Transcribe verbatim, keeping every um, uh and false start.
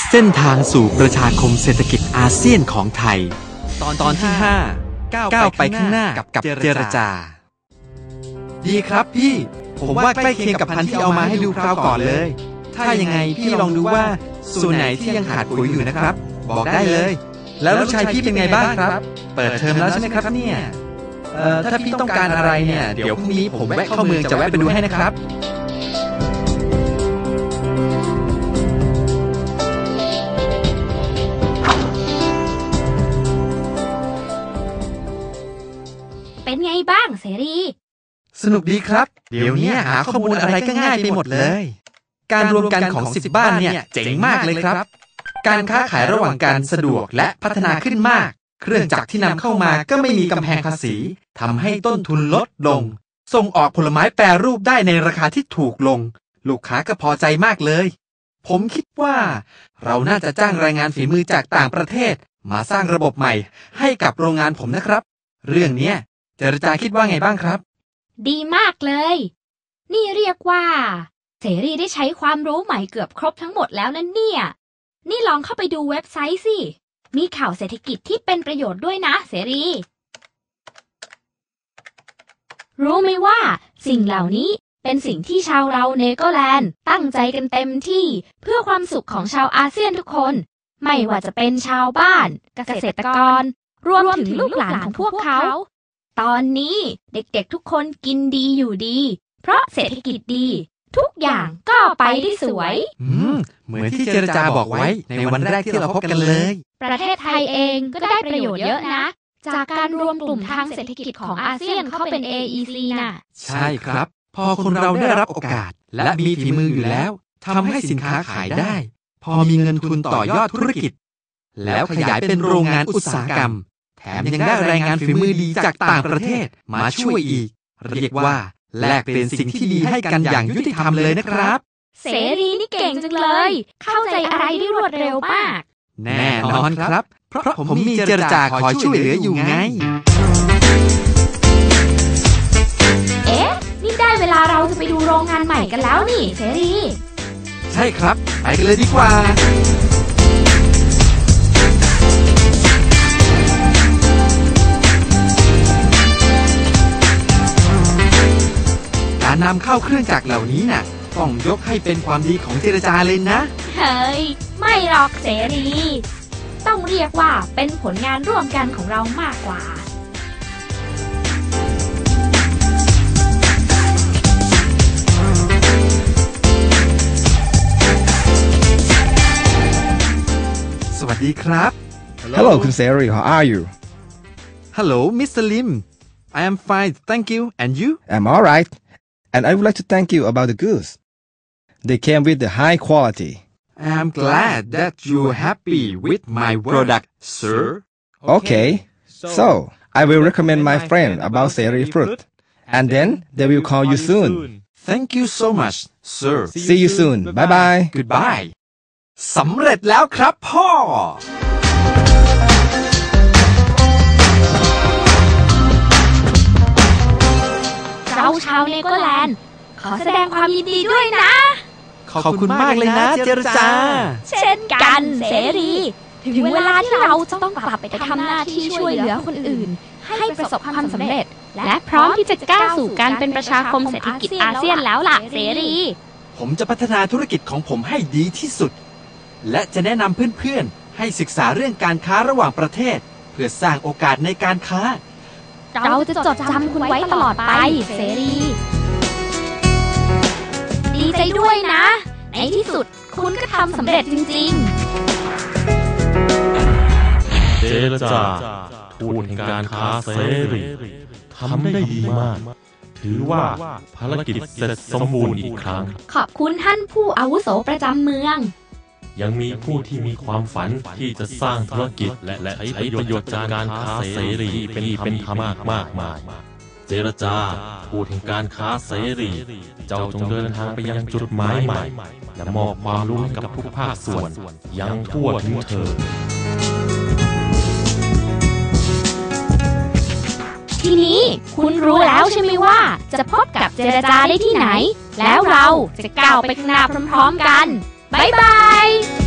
เส้นทางสู่ประชาคมเศรษฐกิจอาเซียนของไทยตอนตอนที่ห้าก้าวไปข้างหน้ากับเจรจาดีครับพี่ผมว่าใกล้เคียงกับพันธุ์ที่เอามาให้ดูคราวก่อนเลยถ้ายังไงพี่ลองดูว่าส่วนไหนที่ยังขาดปุ๋ยอยู่นะครับบอกได้เลยแล้วลูกชายพี่เป็นไงบ้างครับเปิดเทอมแล้วใช่ไหมครับเนี่ยเอ่อถ้าพี่ต้องการอะไรเนี่ยเดี๋ยวพรุ่งนี้ผมแวะเข้าเมืองจะแวะไปดูให้นะครับเป็นไงบ้างเสรีสนุกดีครับเดี๋ยวนี้หาข้อมูลอะไรก็ง่ายไปหมดเลยการรวมกันของสิบบ้านเนี่ยเจ๋งมากเลยครับการค้าขายระหว่างกันสะดวกและพัฒนาขึ้นมากเครื่องจักรที่นำเข้ามาก็ไม่มีกำแพงภาษีทำให้ต้นทุนลดลงส่งออกผลไม้แปรรูปได้ในราคาที่ถูกลงลูกค้าก็พอใจมากเลยผมคิดว่าเราน่าจะจ้างแรงงานฝีมือจากต่างประเทศมาสร้างระบบใหม่ให้กับโรงงานผมนะครับเรื่องนี้เจรจาคิดว่าไงบ้างครับดีมากเลยนี่เรียกว่าเสรีได้ใช้ความรู้ใหม่เกือบครบทั้งหมดแล้วนั่นเนี่ยนี่ลองเข้าไปดูเว็บไซต์สิมีข่าวเศรษฐกิจที่เป็นประโยชน์ด้วยนะเสรีรู้ไหมว่าสิ่งเหล่านี้เป็นสิ่งที่ชาวเราเนเธอร์แลนด์ตั้งใจกันเต็มที่เพื่อความสุขของชาวอาเซียนทุกคนไม่ว่าจะเป็นชาวบ้านเกษตรกรรวมถึงลูกหลานของพวกเขาตอนนี้เด็กๆทุกคนกินดีอยู่ดีเพราะเศรษฐกิจดีทุกอย่างก็ไปได้สวยอืมเหมือนที่เจรจาบอกไว้ในวันแรกที่เราพบกันเลยประเทศไทยเองก็ได้ประโยชน์เยอะนะจากการรวมกลุ่มทางเศรษฐกิจของอาเซียนเข้าเป็น เอ อี ซี น่ะใช่ครับพอคนเราได้รับโอกาสและมีฝีมืออยู่แล้วทำให้สินค้าขายได้พอมีเงินทุนต่อยอดธุรกิจแล้วขยายเป็นโรงงานอุตสาหกรรมแถมยังได้แรงงานฝีมือดีจากต่างประเทศมาช่วยอีกเรียกว่าแลกเป็นสิ่งที่ดีให้กันอย่างยุติธรรมเลยนะครับเสรีนี่เก่งจังเลยเข้าใจอะไรได้รวดเร็วมากแน่นอนครับเพราะผมมีเจรจาคอยช่วยเหลืออยู่ไงเอ๊ะนี่ได้เวลาเราจะไปดูโรงงานใหม่กันแล้วนี่เสรีใช่ครับไปกันเลยดีกว่าการนำเข้าเครื่องจักรเหล่านี้น่ะต้องยกให้เป็นความดีของเจรจาเลยนะเฮ้ยไม่หรอกเสรีต้องเรียกว่าเป็นผลงานร่วมกันของเรามากกว่าสวัสดีครับ Hello คุณเสรี How are you Hello Mister Lim I am fine thank you and you I'm all right and I would like to thank you about the goods they came with the high quality I'm glad that you're happy with my product sir Okay so I will recommend my friend about Seri fruit and then they will call you soon Thank you so much sir See you soon bye bye Goodbye สำเร็จแล้วครับพ่อเราชาวเนเธอร์แลนด์ขอแสดงความยินดีด้วยนะขอบคุณมากเลยนะเจรจาเช่นกันเสรีถึงเวลาที่เราจะต้องกลับไปทำหน้าที่ช่วยเหลือคนอื่นให้ประสบความสำเร็จและพร้อมที่จะก้าวสู่การเป็นประชาคมเศรษฐกิจอาเซียนแล้วล่ะเสรีผมจะพัฒนาธุรกิจของผมให้ดีที่สุดและจะแนะนำเพื่อนๆให้ศึกษาเรื่องการค้าระหว่างประเทศเพื่อสร้างโอกาสในการค้าเราจะจดจำคุณไว้ตลอดไปเสรีดีใจด้วยนะในที่สุดคุณก็ทำสำเร็จจริงๆเจรจาทูตแห่งการค้าเสรีทำได้ดีมากถือว่าภารกิจเสร็จสมบูรณ์อีกครั้งขอบคุณท่านผู้อาวุโสประจำเมืองยังมีผู้ที่มีความฝันที่จะสร้างธุรกิจและใช้ประโยชน์จากการค้าเสรีเป็นธรรมมากมายเจรจาทูตแห่งการค้าเสรีเจ้าจงเดินทางไปยังจุดหมายใหม่และมอบความรู้ให้กับทุกภาคส่วนยังทั่วถึงเธอทีนี้คุณรู้แล้วใช่ไหมว่าจะพบกับเจรจาได้ที่ไหนแล้วเราจะก้าวไปข้างหน้าพร้อมๆกันบ๊ายบาย